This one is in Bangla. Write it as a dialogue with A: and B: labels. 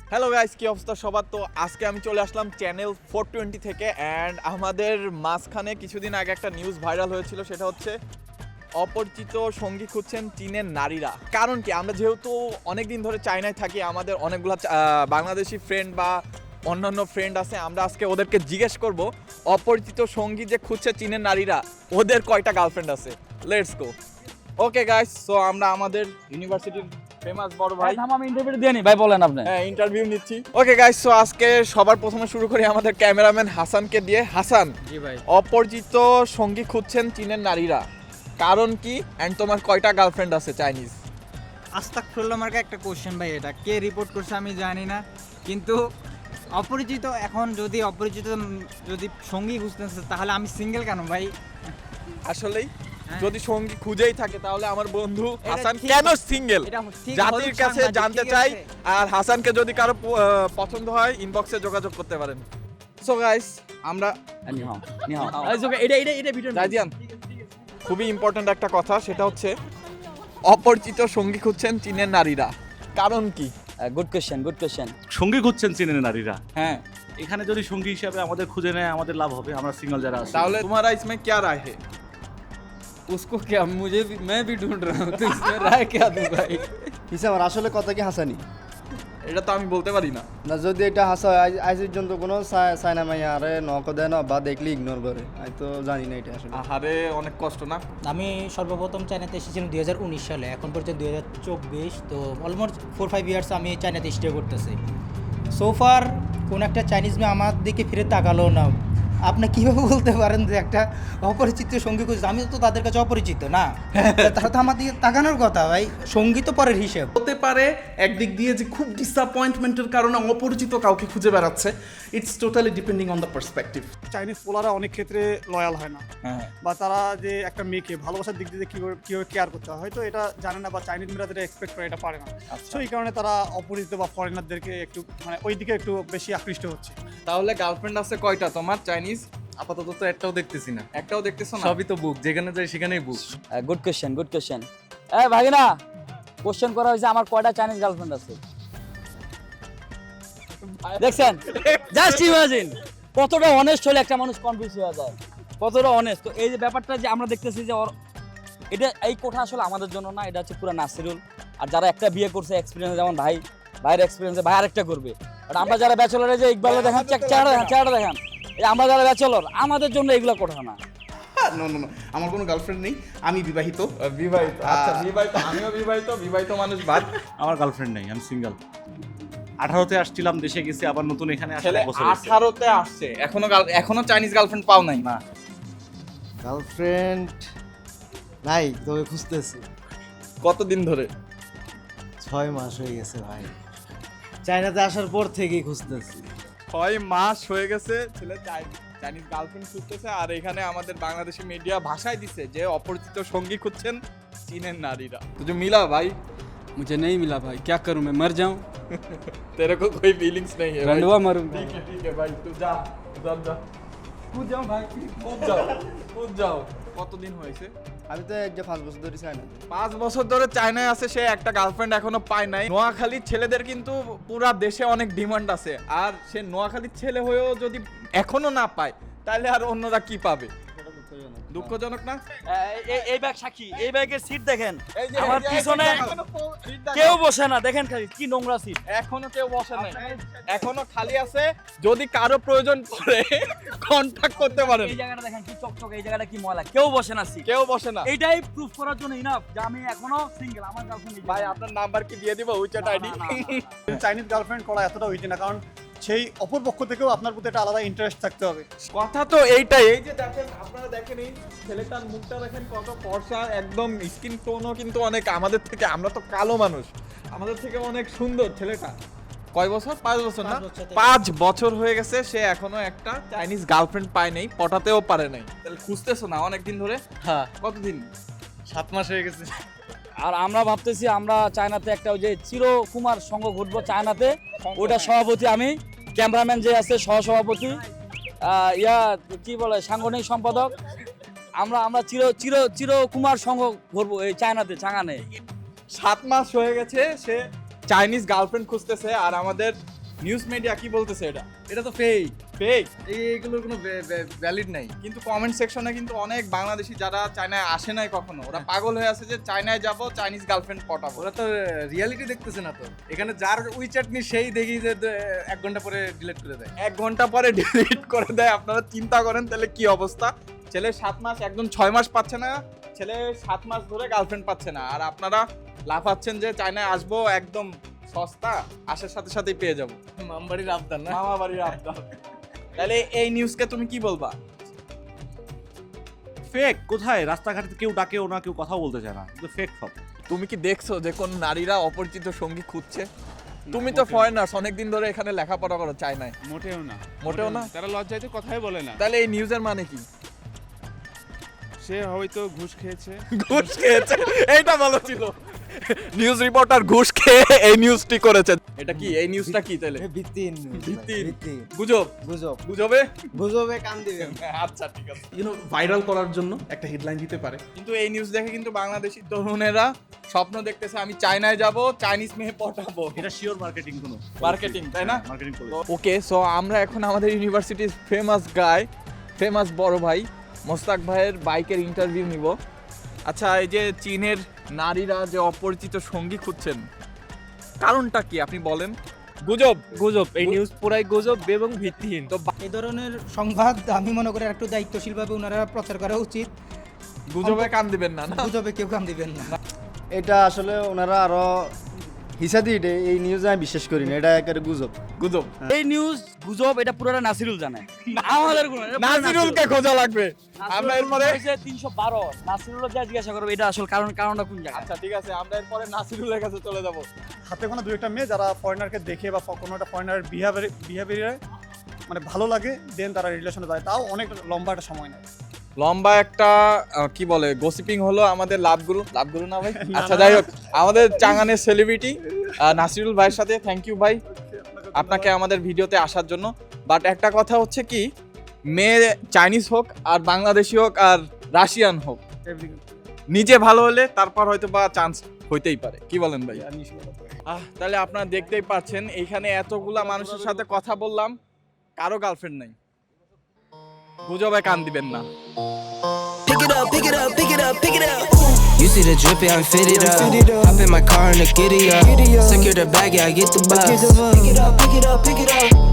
A: হ্যালো গাইস, কি অবস্থা সবার? তো আজকে আমি চলে আসলাম চ্যানেল 420 থেকে। অ্যান্ড আমাদের মাঝখানে কিছুদিন আগে একটা নিউজ ভাইরাল হয়েছিল, সেটা হচ্ছে অপরিচিত সঙ্গী খুঁজছেন চীনের নারীরা। কারণ কি, আমরা যেহেতু অনেক দিন ধরে চায়নায় থাকি, আমাদের অনেকগুলো বাংলাদেশি ফ্রেন্ড বা অন্যান্য ফ্রেন্ড আছে। আমরা আজকে ওদেরকে জিজ্ঞেস করব অপরিচিত সঙ্গী যে খুঁজছে চীনের নারীরা, ওদের কয়টা গার্লফ্রেন্ড আছে। Let's go. Okay guys, so আমরা আমাদের ইউনিভার্সিটির ফেমাস বড় ভাই,
B: আমি ইন্টারভিউ দিয়ে নি ভাই, বলেন আপনি।
A: হ্যাঁ ইন্টারভিউ নিচ্ছি। ওকে গাইস, সো আজকে সবার প্রথমে শুরু করি আমাদের ক্যামেরাম্যান হাসানকে দিয়ে। হাসান,
B: জি ভাই।
A: অপরিচিত সঙ্গী খুঁজছেন চীনের নারীরা, কারণ কি অ্যান্ড তোমার কয়টা গার্লফ্রেন্ড আছে চাইনিজ?
C: আস্তাগফিরুল্লাহ মার্কা একটা কোশ্চেন ভাই, এটা কে রিপোর্ট করছে আমি জানি না, কিন্তু অপরিচিত এখন যদি সঙ্গী খুঁজতেছে তাহলে আমি সিঙ্গেল কেন ভাই?
A: আসলেই
C: হ্যাঁ।
A: যদি সঙ্গী খুঁজেই থাকে তাহলে আমার বন্ধু
C: এটা
A: হাসান
C: ঠিক-
A: কেন সিঙ্গেল?
C: এটা ঠিক
A: জাতির
C: হলুদ
A: কাছে
C: সাংবাদিক,
A: জানতে
C: ঠিক
A: চাই।
C: আছে?
A: আর হাসানকে যদি কারো পছন্দ হয় ইনবক্সে যোগাযোগ করতে পারেন। সো গাইস, আমরা
B: এটা ভিডিও
A: রাজিয়ান, খুবই ইম্পর্ট্যান্ট একটা কথা, সেটা হচ্ছে অপরিচিত সঙ্গী খুঁজছেন চীনের নারীরা, কারণ কি?
B: Good question.
D: সঙ্গী খুঁজছেন চীনের নারীরা।
A: হ্যাঁ,
D: এখানে যদি সঙ্গী হিসাবে আমাদের খুঁজে নেয়, আমাদের লাভ হবে। আমরা সিঙ্গেল যারা আছি,
A: তাহলে तुम्हारा इसमें क्या राय है?
E: उसको क्या मैं भी ढूंढ रहा हूँ तो इसमें राय क्या दूं भाई।
F: হিসাব আসলে কথা কি হাসানি
A: এটা তো আমি বলতে পারি না।
F: না, যদি এটা হাসা হয় আজ পর্যন্ত কোনো সাইনা মাইয়া আরে নক দেয় না বা দেখলে ইগনোর করে, আমি তো জানি না এটা আসলে।
A: আহারে, অনেক কষ্ট না?
G: আমি সর্বপ্রথম চায়নাতে এসেছিলাম 2019 সালে, এখন পর্যন্ত 2024, তো অলমোস্ট 4-5 ইয়ার্স আমি চায়নাতে স্টে করতেছি। সোফার কোন একটা চাইনিজ মেয়ে আমার দিকে ফিরে তাকালো না। আপনি কীভাবে বলতে পারেন যে একটা অপরিচিত সঙ্গী খুঁজছে? আমি তো তাদের কাছে অপরিচিত না, তারা তো আমার দিকে তাকানোর কথা ভাই। সঙ্গী তো পরের হিসেব।
H: হতে পারে একদিক দিয়ে যে খুব ডিসঅ্যাপয়েন্টমেন্টের কারণে অপরিচিত কাউকে খুঁজে বেড়াচ্ছে। It's totally depending on the perspective.
I: Chinese পোলারা অনেক ক্ষেত্রে লয়াল হয় না, বা তারা যে একটা মেয়েকে ভালোবাসার দিক দিয়ে কীভাবে কেয়ার করতে হয় হয়তো এটা জানে না, বা চাইনিজ মেয়েরা যেটা এক্সপেক্ট করে এটা পারে না। সো এই কারণে তারা অপরিচিত বা ফরেনারদেরকে একটু মানে ওই দিকে একটু বেশি আকৃষ্ট হচ্ছে।
A: তাহলে গার্লফ্রেন্ড আছে কয়টা তোমার চাইনিজ?
E: আপাতত তো একটাও দেখতেছি না,
A: একটাও দেখতেছো না?
E: সবই তো বুক, যেখানে যাই সেখানেই বুক।
B: Good question. ভাগিনা, কোশ্চেন করা হয়েছে আমার কয়টা চাইনিজ গার্লফ্রেন্ড আছে। দেখছেন, জাস্ট ইমাজিন কতটা অনেস্ট হলে একটা মানুষ কনফিউজ হয়ে যায়, কতটা অনেস্ট। তো এই যে ব্যাপারটা যে আমরা দেখতেছি যে এটা এই কোঠা আসলে আমাদের জন্য না, এটা হচ্ছে পুরো নাসিরুল। আর যারা একটা বিয়ে করছে এক্সপিরিয়েন্স, যেমন ভাইয়ের এক্সপিরিয়েন্সে ভাই আরেকটা করবে। আর আমরা যারা ব্যাচেলরে যে ইকবালে দেখান, চেহারা দেখান, এই আমরা যারা ব্যাচেলর, আমাদের জন্য এগুলো কোঠা না।
H: নো নো নো, আমার কোনো গার্লফ্রেন্ড নেই, আমি বিবাহিত।
A: বিবাহিত? আচ্ছা, বিবাহিত, আমিও বিবাহিত মানুষ। বাদ
D: আমার গার্লফ্রেন্ড নেই, আমি সিঙ্গেল। 18তে আসছিলাম, দেশে গেছি, আবার নতুন এখানে
A: ছেলে
D: আসলে বছর হয়েছে।
A: 18তে আসছে, এখনো চাইনিজ গার্লফ্রেন্ড পাও নাই?
D: না,
F: গার্লফ্রেন্ড নাই, তবে খুঁজতেছি।
A: কতদিন ধরে?
F: 6 মাস হয়ে গেছে ভাই, চায়নাতে আসার পর থেকেই খুঁজতেছি।
A: 6 মাস হয়ে গেছে ছেলে চাইনিজ গার্লফ্রেন্ড খুঁজতেছে। আর এখানে আমাদের বাংলাদেশি মিডিয়া ভাষায় দিছে যে অপরিচিত সঙ্গী খুঁজছেন চীনের নারীরা। তুझे मिला भाई?
E: मुझे नहीं मिला भाई, क्या करूं मैं, मर जाऊं,
A: तेरे को कोई फीलिंग्स नहीं है भाई?
E: रंडवा मरूंगा।
A: ठीक है भाई, तू जा उधर जा,
E: कूद जाऊं भाई।
A: কূদ যাও। কতদিন হয়েছে?
F: আমি তো এক যে 5 বছর ধরে চায়নাতে।
A: 5 বছর ধরে চায়নায় আছে, সে একটা গার্লফ্রেন্ড এখনো পায় নাই। নোয়াখালীর ছেলেদের কিন্তু পুরা দেশে অনেক ডিমান্ড আছে, আর সে নোয়াখালীর ছেলে হয়েও যদি এখনো না পায়, তাহলে আর অন্যরা কি পাবে? দুঃখজনক না?
B: এই ব্যাগ সাক্ষী, এই ব্যাগের সিট দেখেন,
A: এই যে
B: আমার পিছনে কেউ বসে না, দেখেন খালি কি নোংরা সিট।
A: এখনো কেউ বসে নাই, এখনো খালি আছে। যদি কারো প্রয়োজন পড়ে কন্টাক্ট করতে পারেন।
B: এই জায়গাটা দেখেন কি চকচক, এই জায়গাটা কি ময়লা, কেউ বসে না সিট।
A: কেউ বসে না।
B: এইটাই প্রুফ করার জন্য ইনাফ যে আমি এখনো সিঙ্গেল, আমার গার্লফ্রেন্ড
A: ভাই, আপনার নাম্বার কি দিয়ে দিব? WeChat ID.
I: চাইনিজ গার্লফ্রেন্ড করা এতটা উইজি না, কারণ সেই অপর পক্ষ থেকেও আপনার প্রতি একটা আলাদা ইন্টারেস্ট থাকতে হবে।
A: কথা তো এইটাই। এই যে দেখেন, আপনারা দেখেন এই ছেলেটার মুখটা দেখেন, কত ফর্সা, একদম স্কিন টোনও কিন্তু অনেক আমাদের থেকে, আমরা তো কালো মানুষ, আমাদের থেকে অনেক সুন্দর ছেলেটা। কয় বছর? 5 বছর না? 5 বছর হয়ে গেছে, সে এখনো একটা চাইনিজ গার্লফ্রেন্ড পায় নাই, পটাতেও পারে নাই। তাহলে খুঁজতেছো না অনেকদিন ধরে?
E: হ্যাঁ,
A: কতদিন?
E: 7 মাস হয়ে গেছে।
B: আর আমরা ভাবতেছি আমরা চায়নাতে একটা ওই যে চিরকুমার সংঘ ঘুরবো চায়নাতে, ওটা সভাপতি আমি, ক্যামেরাম্যান যে আছে সহসভাপতি, কি বলে সাংগঠনিক সম্পাদক, আমরা চিরকুমার সংঘ ঘুরবো এই চায়নাতে, চাঙানে।
A: 7 মাস হয়ে গেছে সে চাইনিজ গার্লফ্রেন্ড খুঁজতেছে। আর আমাদের নিউজ মিডিয়া কি বলতেছে এটা?
D: এটা তো ফেক,
A: ফেক।
D: এইগুলোর কোনো ভ্যালিড নাই।
A: কিন্তু কমেন্ট সেকশনে কিন্তু অনেক বাংলাদেশি যারা চায়নায় আসে নাই কখনো, ওরা পাগল হয়ে আছে যে চায়নায় যাব, চাইনিজ গার্লফ্রেন্ড পটাবো।
D: ওরা তো রিয়ালিটি দেখতেছে না তো। এখানে যার উইচ্যাট নি সেই দেখি যে 1 ঘন্টা পরে ডিলিট করে দেয়।
A: 1 ঘন্টা পরে ডিলিট করে দেয়। আপনারা চিন্তা করেন তাহলে কি অবস্থা। ছেলে 7 মাস, একদম 6 মাস পাচ্ছে না, ছেলে 7 মাস ধরে গার্লফ্রেন্ড পাচ্ছে না, আর আপনারা লাফাচ্ছেন যে চায়নায় আসবো, একদম সস্তা, আসার সাথে সাথেই পেয়ে যাবো।
D: মামবাড়ির আবদার না।
A: মামা বাড়ির আবদার। তাহলে এই নিউজকে তুমি কি বলবা?
D: ফেক কোথায়? রাস্তাঘাটে কেউ ডাকেও না, কেউ কথাও বলতে চায় না, কিন্তু ফেক সব।
A: তুমি কি দেখছো যে কোন নারীরা অপরিচিত সঙ্গী খুঁজছে? তুমি তো ফরেনার্স, অনেকদিন ধরে এখানে লেখাপড়া করো চায়নায়।
E: মোটেও না,
A: মোটেও না?
E: তারা লজ্জায় কথাই বলে না।
A: তাহলে এই নিউজের মানে কি?
E: সে হয়তো ঘুষ খেয়েছে।
A: ঘুষ খেয়েছে, এইটা ভালো ছিল। নিউজ রিপোর্টার ঘুষ খেয়ে এই নিউজটি করেছে। এটা কি, এই নিউজটা কি তাহলে?
F: ভিত্তিহীন
A: গুজব।
F: গুজব
A: গুজবে
F: গুজবে কান দিবেন।
A: আচ্ছা ঠিক আছে।
H: ভাইরাল করার জন্য একটা হেডলাইন দিতে পারে।
A: কিন্তু এই নিউজ দেখে কিন্তু বাংলাদেশি তরুণেরা স্বপ্ন দেখতেছে আমি চায়নায় যাব, চাইনিজ মেয়ে পটাবো।
D: এটা শিওর মার্কেটিং কোনো
A: মার্কেটিং, তাই না?
D: মার্কেটিং করে।
A: ওকে, সো আমরা এখন আমাদের ইউনিভার্সিটির ফেমাস গাই, ফেমাস বড় ভাই মোস্তাক ভাইয়ের বাইকের ইন্টারভিউ নিব। আচ্ছা, এই যে চীনের নারীরা যে অপরিচিত সঙ্গী খুঁজছেন, কারণটা কি আপনি বলেন? গুজব।
B: গুজব, এই নিউজ পুরাই গুজব এবং ভিত্তিহীন।
A: তো
G: এই ধরনের সংবাদ আমি মনে করি একটু দায়িত্বশীলভাবে ওনারা প্রচার করা উচিত।
A: গুজবে কান দিবেন না, না?
G: গুজবে কেউ কান দিবেন না।
F: এটা আসলে ওনারা আরো হিসা দিয়ে এই নিউজে আমি বিশ্বাস করি না, এটা একেবারে গুজব।
A: গুজব।
B: এই নিউজ গুজব, এটা পুরোটা নাসিরুল জানে। আমাদের কোনো না, এটা পুরো
A: নাজিরুলকে খোঁজা লাগবে। আমরা এরপরে
B: 312 নাসিরুল যা জিজ্ঞাসা করবে এটা আসল কারণটা কোন জায়গায়।
A: আচ্ছা ঠিক আছে, আমরা এরপরে নাসিরুলের কাছে চলে যাব।
I: হাতে গোনা 2-1টা মেয়ে যারা ফরেনারকে দেখে বা কোনো একটা ফরেনার বিহেভিয়ারে মানে ভালো লাগে, দেন তারা রিলেশনে যায়, তাও অনেক লম্বা একটা সময় নেয়।
A: লম্বা একটা কি বলে গসিপিং হলো আমাদের লাভগুরু না ভাই? আচ্ছা যাই হোক, আমাদের চাঙানের সেলিব্রিটি নাসিরুল ভাইয়ের সাথে থ্যাংক ইউ ভাই আপনাকে আমাদের ভিডিওতে আসার জন্য। বাট একটা কথা হচ্ছে কি, মেয়ে চাইনিজ হোক আর বাংলাদেশি হোক আর রাশিয়ান হোক, নিজে ভালো হলে তারপর হয়তো বা চান্স হইতেই পারে। কি বলেন ভাই? তাহলে আপনারা দেখতেই পাচ্ছেন এইখানে এতগুলা মানুষের সাথে কথা বললাম, কারো গার্লফ্রেন্ড নাই। গুজবে কান দিবেন না।
J: Pick it up, pick it up, pick it up, pick it up. You see the drippy, I'm fitted up. Hop in my car and the giddy up. Secure the bag, yeah, I get the bus. Pick it up, pick it up, pick it up.